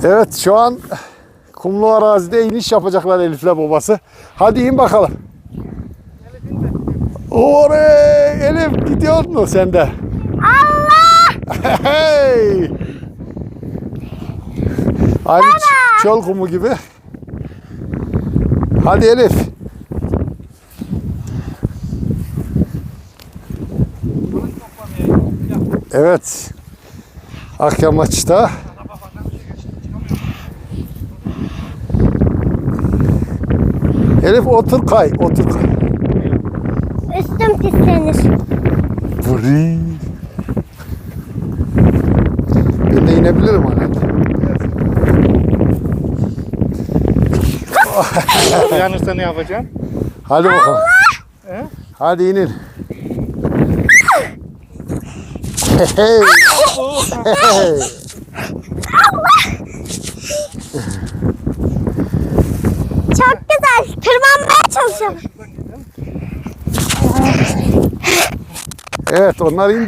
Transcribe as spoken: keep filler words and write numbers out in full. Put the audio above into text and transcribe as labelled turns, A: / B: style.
A: Evet, şu an kumlu arazide iniş yapacaklar Elif'le babası. Hadi in bakalım. Orey Elif, gidiyor mu sen de?
B: Allah!
A: Hey! Aynı çöl kumu gibi. Hadi Elif. Evet. Akyamaç'ta Elif otur kay, otur kay.
B: Üstüm pislenir.
A: Vırıy. Ben de inebilirim hani.
C: Uyanırsa ne yapacaksın?
A: Hadi bakalım.
C: He?
A: Hadi inin. Hey. Hey.
B: Çok güzel. Tırmanmaya çalışıyorum.
A: Evet, onlar indi.